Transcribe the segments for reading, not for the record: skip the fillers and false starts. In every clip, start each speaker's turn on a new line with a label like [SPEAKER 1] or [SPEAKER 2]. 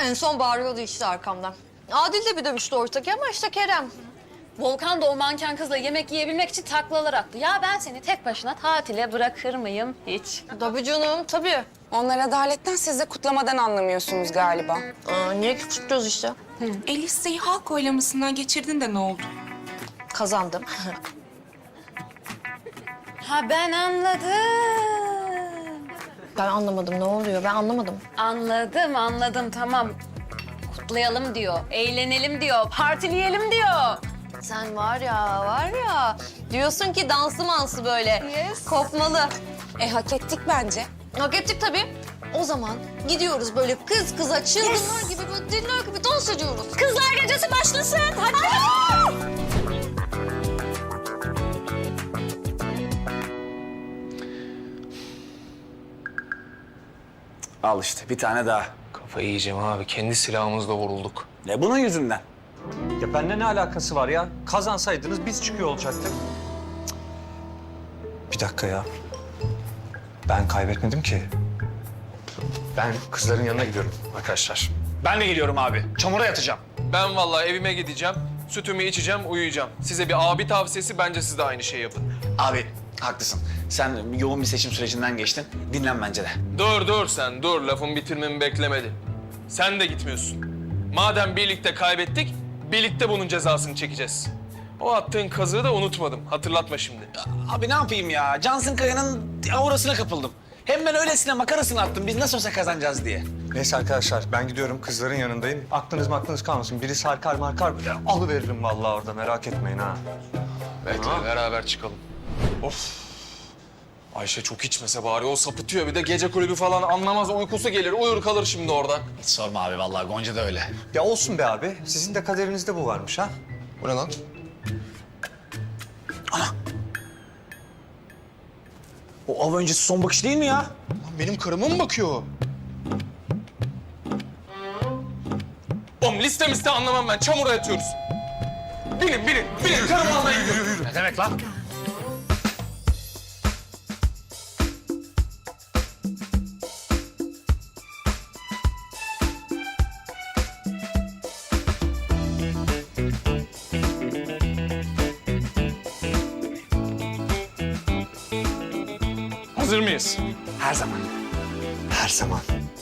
[SPEAKER 1] En son bağırıyordu işte arkamdan. Adil de bir dövüştü ortaki ama işte Kerem.
[SPEAKER 2] Volkan da o manken kızla yemek yiyebilmek için taklalar attı. Ya ben seni tek başına tatile bırakır mıyım hiç?
[SPEAKER 1] Tabii canım, tabii.
[SPEAKER 3] Onlar adaletten, siz de kutlamadan anlamıyorsunuz galiba.
[SPEAKER 1] Niye ki kutluyoruz işte?
[SPEAKER 4] Listeyi halk oylamasından geçirdin de ne oldu?
[SPEAKER 1] Kazandım.
[SPEAKER 2] Ha ben anladım.
[SPEAKER 1] Ben anlamadım, ne oluyor? Ben anlamadım.
[SPEAKER 2] Anladım tamam. Kutlayalım diyor, eğlenelim diyor, partileyelim diyor.
[SPEAKER 1] Sen var ya, diyorsun ki danslı mansı böyle.
[SPEAKER 2] Yes.
[SPEAKER 1] Kopmalı.
[SPEAKER 3] Hak ettik bence.
[SPEAKER 1] Hak ettik tabii. O zaman gidiyoruz böyle kız kıza çılgınlar gibi, böyle deliler gibi dans ediyoruz.
[SPEAKER 2] Kızlar gecesi başlasın. Hadi.
[SPEAKER 5] Al işte bir tane daha.
[SPEAKER 6] Kafayı yiyeceğim abi. Kendi silahımızla vurulduk.
[SPEAKER 5] Ne bunun yüzünden?
[SPEAKER 7] Ya bende ne alakası var ya? Kazansaydınız biz çıkıyor olacaktık. Cık. Bir dakika ya. Ben kaybetmedim ki. Ben kızların yanına gidiyorum arkadaşlar.
[SPEAKER 5] Ben de geliyorum abi. Çamura yatacağım.
[SPEAKER 6] Ben vallahi evime gideceğim. Sütümü içeceğim, uyuyacağım. Size bir abi tavsiyesi, bence siz de aynı şeyi yapın.
[SPEAKER 5] Abi haklısın. Sen yoğun bir seçim sürecinden geçtin. Dinlen bence de.
[SPEAKER 6] Dur sen, dur. Lafımı bitirmemi beklemedin. Sen de gitmiyorsun. Madem birlikte kaybettik, birlikte bunun cezasını çekeceğiz. O attığın kazığı da unutmadım. Hatırlatma şimdi.
[SPEAKER 5] Abi ne yapayım ya? Cansın Kaya'nın aurasına kapıldım. Hem ben öylesine makarasını attım. Biz nasıl olsa kazanacağız diye.
[SPEAKER 7] Neyse arkadaşlar ben gidiyorum kızların yanındayım. Aklınız kalmasın. Biri sarkar markar alıveririm vallahi orada merak etmeyin ha.
[SPEAKER 6] Bekle, beraber çıkalım. Of. Ayşe çok içmese bari. O sapıtıyor. Bir de gece kulübü falan anlamaz. Uykusu gelir. Uyur kalır şimdi orada.
[SPEAKER 5] Hiç sorma abi vallahi Gonca da öyle.
[SPEAKER 7] Ya olsun be abi. Sizin de kaderinizde bu varmış ha.
[SPEAKER 6] Bu ne lan?
[SPEAKER 5] O av öncesi son bakış değil mi ya?
[SPEAKER 6] Lan benim karıma mı bakıyor? Oğlum liste anlamam ben. Çamura yatıyoruz. Binin. Karımı almaya gidiyorum.
[SPEAKER 5] Ne demek lan?
[SPEAKER 6] Hazır mıyız?
[SPEAKER 5] Her zaman.
[SPEAKER 7] Her zaman.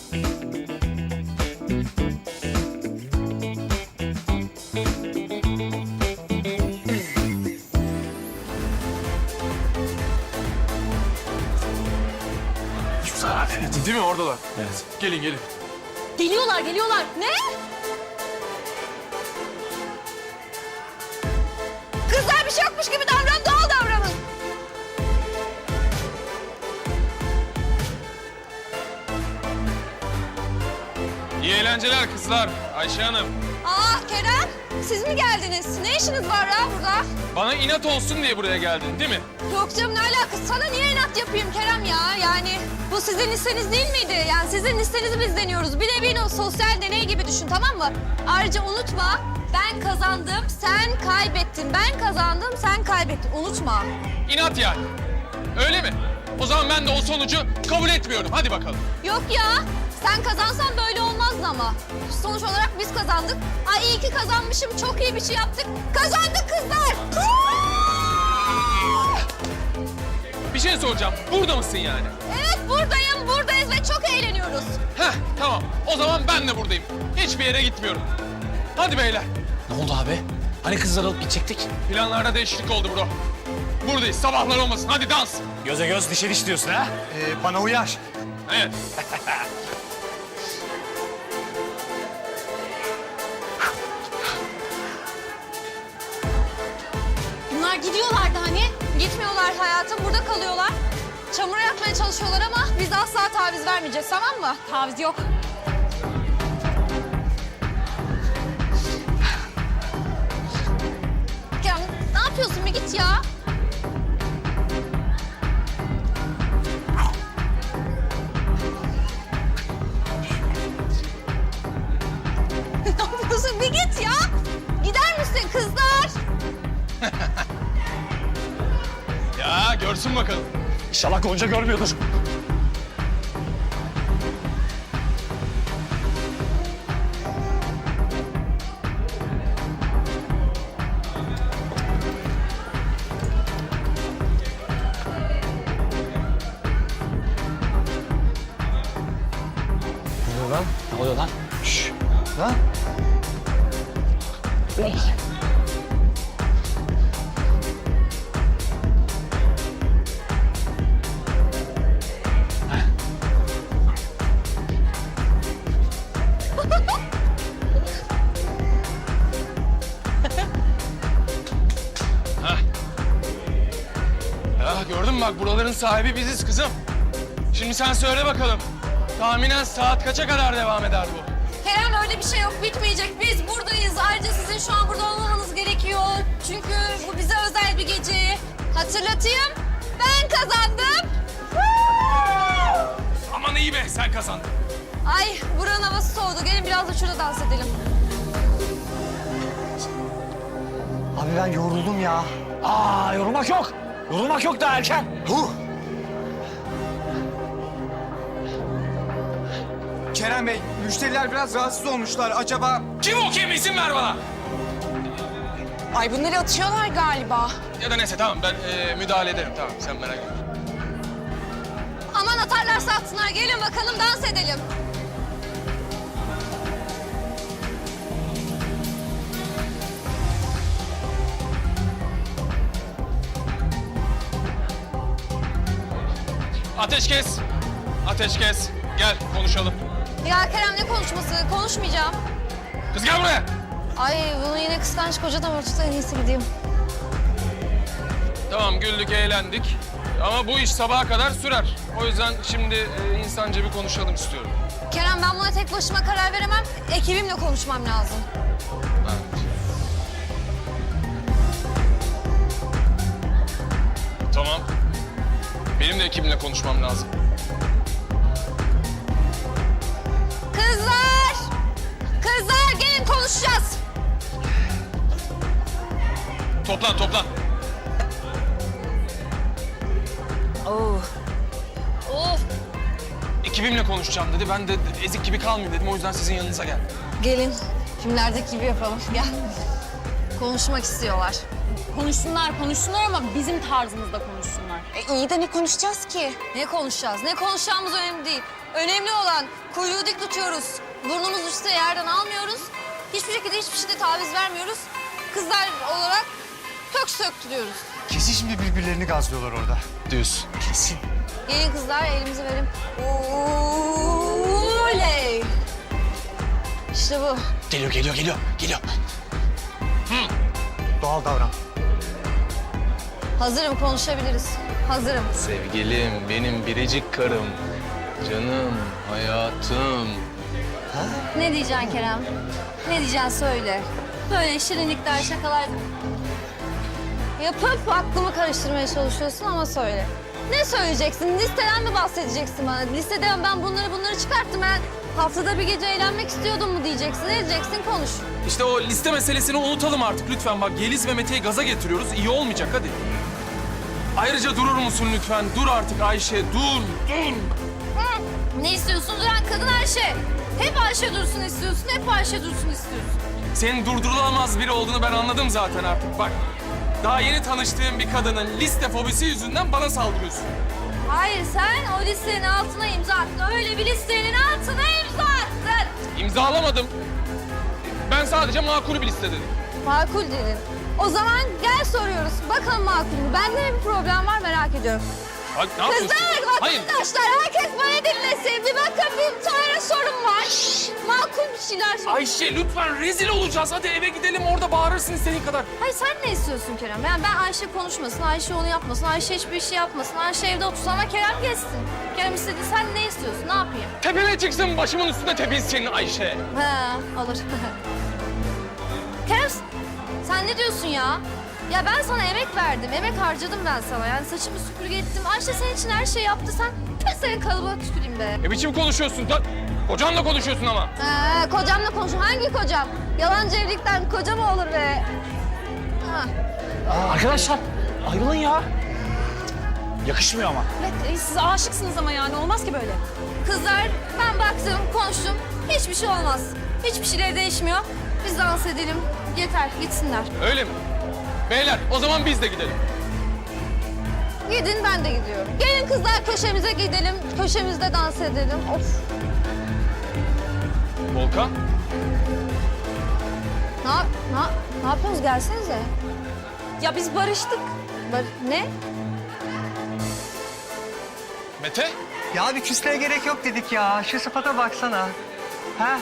[SPEAKER 6] Değil mi? Oradalar. Evet. Gelin.
[SPEAKER 1] Geliyorlar. Ne? Kızlar bir şey yokmuş gibi davran, doğal davranın.
[SPEAKER 6] İyi eğlenceler kızlar. Ayşe Hanım.
[SPEAKER 1] Kerem, siz mi geldiniz? Ne işiniz var ya burada?
[SPEAKER 6] Bana inat olsun diye buraya geldin değil mi?
[SPEAKER 1] Yok canım, ne alakası? Sana niye inat yapayım Kerem ya? Yani bu sizin listeniz değil miydi? Yani sizin listenizi biz deniyoruz. Bir nevi o sosyal deney gibi düşün, tamam mı? Ayrıca unutma, ben kazandım, sen kaybettin. Ben kazandım, sen kaybettin. Unutma.
[SPEAKER 6] İnat yani. Öyle mi? O zaman ben de o sonucu kabul etmiyorum. Hadi bakalım.
[SPEAKER 1] Yok ya, sen kazansan böyle olmazdı ama. Sonuç olarak biz kazandık. Ay iyi ki kazanmışım, çok iyi bir şey yaptık. Kazandık kızlar!
[SPEAKER 6] Bir şey soracağım. Burada mısın yani?
[SPEAKER 1] Evet, buradayız ve çok eğleniyoruz.
[SPEAKER 6] Heh, tamam. O zaman ben de buradayım. Hiçbir yere gitmiyorum. Hadi beyler.
[SPEAKER 5] Ne oldu abi? Hani kızları alıp gidecektik?
[SPEAKER 6] Planlarda değişiklik oldu bro. Buradayız. Sabahlar olmasın. Hadi dans.
[SPEAKER 5] Göze göz, dişe diş diyorsun ha?
[SPEAKER 7] Bana uyar.
[SPEAKER 6] Evet.
[SPEAKER 1] Bunlar gidiyorlardı hani. Gitmiyorlar hayatım, burada kalıyorlar. Çamura yatmaya çalışıyorlar ama biz asla taviz vermeyeceğiz, tamam mı? Taviz yok. Ya ne yapıyorsun? Bir git ya. Ne yapıyorsun? Bir git ya. Gider misin kızlar?
[SPEAKER 6] Ya görsün bakalım.
[SPEAKER 5] İnşallah Gonca görmüyordur. lan?
[SPEAKER 7] Şşş. Lan.
[SPEAKER 6] Ya gördün mü bak buraların sahibi biziz kızım. Şimdi sen söyle bakalım. Tahminen saat kaça kadar devam eder bu?
[SPEAKER 1] Kerem öyle bir şey yok, bitmeyecek. Biz buradayız. Ayrıca sizin şu an burada olmamanız gerekiyor. Çünkü bu bize özel bir gece. Hatırlatayım, ben kazandım.
[SPEAKER 6] Aman iyi be sen kazandın.
[SPEAKER 1] Ay buranın havası soğudu. Gelin biraz da şurada dans edelim.
[SPEAKER 7] Abi ben yoruldum ya.
[SPEAKER 5] Aa, yorulmak yok. Yorulmak yok daha erken.
[SPEAKER 8] Kerem Bey, müşteriler biraz rahatsız olmuşlar. Acaba...
[SPEAKER 6] Kim o kim izin ver bana.
[SPEAKER 3] Ay bunları atıyorlar galiba.
[SPEAKER 6] Ya da neyse tamam ben müdahale ederim tamam sen merak etme.
[SPEAKER 1] Aman atarlarsa atsınlar. Gelin bakalım dans edelim.
[SPEAKER 6] Ateş kes. Ateş kes. Gel konuşalım.
[SPEAKER 1] Ya Kerem ne konuşması? Konuşmayacağım.
[SPEAKER 6] Kız gel buraya.
[SPEAKER 1] Ay bunu yine kıskanç kocadan örtüsü en iyisi gideyim.
[SPEAKER 6] Tamam güldük eğlendik. Ama bu iş sabaha kadar sürer. O yüzden şimdi insanca bir konuşalım istiyorum.
[SPEAKER 1] Kerem ben buna tek başıma karar veremem. Ekibimle konuşmam lazım.
[SPEAKER 6] Tamam. Benim de ekibimle konuşmam lazım.
[SPEAKER 1] Kızlar! Kızlar gelin konuşacağız.
[SPEAKER 6] Toplan toplan.
[SPEAKER 1] Of!
[SPEAKER 6] Ekibimle konuşacağım dedi. Ben de ezik gibi kalmayayım dedim. O yüzden sizin yanınıza geldim.
[SPEAKER 1] Gelin. Filmlerdeki gibi yapalım. Gel. Konuşmak istiyorlar.
[SPEAKER 2] Konuşsunlar ama bizim tarzımızda konuşsunlar.
[SPEAKER 3] İyi de ne konuşacağız ki?
[SPEAKER 1] Ne konuşacağız? Ne konuşacağımız önemli değil. Önemli olan kuyruğu dik tutuyoruz. Burnumuz üstte yerden almıyoruz. Hiçbir şekilde hiçbir şeyde taviz vermiyoruz. Kızlar olarak kök söktürüyoruz.
[SPEAKER 7] Kesin şimdi birbirlerini gazlıyorlar orada.
[SPEAKER 6] Diyorsun.
[SPEAKER 7] Kesin.
[SPEAKER 1] Gelin kızlar elimizi verin. Oley! İşte bu.
[SPEAKER 5] Geliyor, geliyor, geliyor, geliyor.
[SPEAKER 7] Doğal davran.
[SPEAKER 1] Hazırım konuşabiliriz. Hazırım.
[SPEAKER 6] Sevgilim, benim biricik karım. Canım, hayatım.
[SPEAKER 1] Ne diyeceksin Kerem? Ne diyeceksin söyle. Böyle şirinlikler, şakalar yapıp aklımı karıştırmaya çalışıyorsun ama söyle. Ne söyleyeceksin? Listeden mi bahsedeceksin bana? Listeden ben bunları çıkarttım. Ben haftada bir gece eğlenmek istiyordum mu diyeceksin. Ne diyeceksin? Konuş.
[SPEAKER 6] İşte o liste meselesini unutalım artık lütfen. Bak Yeliz ve Mete'yi gaza getiriyoruz. İyi olmayacak hadi. Ayrıca durur musun lütfen? Dur artık Ayşe, dur.
[SPEAKER 1] Ne istiyorsun? Duran kadın Ayşe. Hep Ayşe dursun istiyorsun. Hep Ayşe dursun istiyorsun.
[SPEAKER 6] Senin durdurulamaz biri olduğunu ben anladım zaten artık. Bak, daha yeni tanıştığım bir kadının liste fobisi yüzünden bana saldırıyorsun.
[SPEAKER 1] Hayır sen o listenin altına imza attın. Öyle bir listenin altına imza attın.
[SPEAKER 6] İmzalamadım. Ben sadece makul bir liste dedim.
[SPEAKER 1] Makul dedin. O zaman gel soruyoruz. Bakalım makul mü? Bende ne bir problem var merak ediyorum.
[SPEAKER 6] Bak ne yapıyorsun?
[SPEAKER 1] Kızlar,
[SPEAKER 6] Hayır.
[SPEAKER 1] arkadaşlar herkes bana dinlesin. Bir bakın bir tane sorun var. Makul bir şeyler söyle.
[SPEAKER 6] Ayşe lütfen rezil olacağız. Hadi eve gidelim orada bağırırsın istediğin kadar.
[SPEAKER 1] Hayır sen ne istiyorsun Kerem? Yani ben Ayşe konuşmasın, Ayşe onu yapmasın, Ayşe hiçbir şey yapmasın, Ayşe evde otursun ama Kerem geçsin. Kerem istedi, sen ne istiyorsun? Ne yapayım?
[SPEAKER 6] Tepeme çıksın başımın üstünde tepinsin Ayşe.
[SPEAKER 1] Ha, olur. Kerem, sen ne diyorsun ya? Ya ben sana emek verdim, emek harcadım ben sana. Yani saçımı süpürge ettim. Ayşe senin için her şeyi yaptı. Ben senin kalıbına tüküreyim be.
[SPEAKER 6] Ne biçim konuşuyorsun? Kocanla konuşuyorsun ama.
[SPEAKER 1] Ha, kocamla konuşuyorum. Hangi kocam? Yalancı evlilikten koca mı olur be? Ha.
[SPEAKER 5] Arkadaşlar, ayrılın ya. Yakışmıyor ama.
[SPEAKER 2] Evet, siz aşıksınız ama yani olmaz ki böyle.
[SPEAKER 1] Kızlar ben baktım, konuştum. Hiçbir şey olmaz. Hiçbir şeyler değişmiyor. Biz dans edelim. Yeter, gitsinler.
[SPEAKER 6] Öyle mi? Beyler o zaman biz de gidelim.
[SPEAKER 1] Gidin, ben de gidiyorum. Gelin kızlar köşemize gidelim. Köşemizde dans edelim. Of.
[SPEAKER 6] Volkan.
[SPEAKER 1] Ne yapıyorsunuz? Gelsenize.
[SPEAKER 2] Ya biz barıştık.
[SPEAKER 1] Ne?
[SPEAKER 6] Mete.
[SPEAKER 7] Ya bir küsleye gerek yok dedik ya. Şu sıfata baksana. Ha?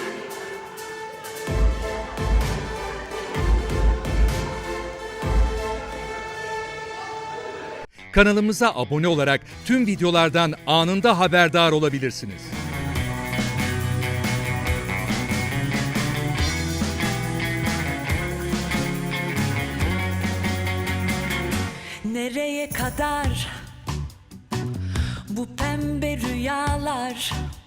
[SPEAKER 9] Kanalımıza abone olarak tüm videolardan anında haberdar olabilirsiniz.
[SPEAKER 10] Nereye kadar bu pembe rüyalar?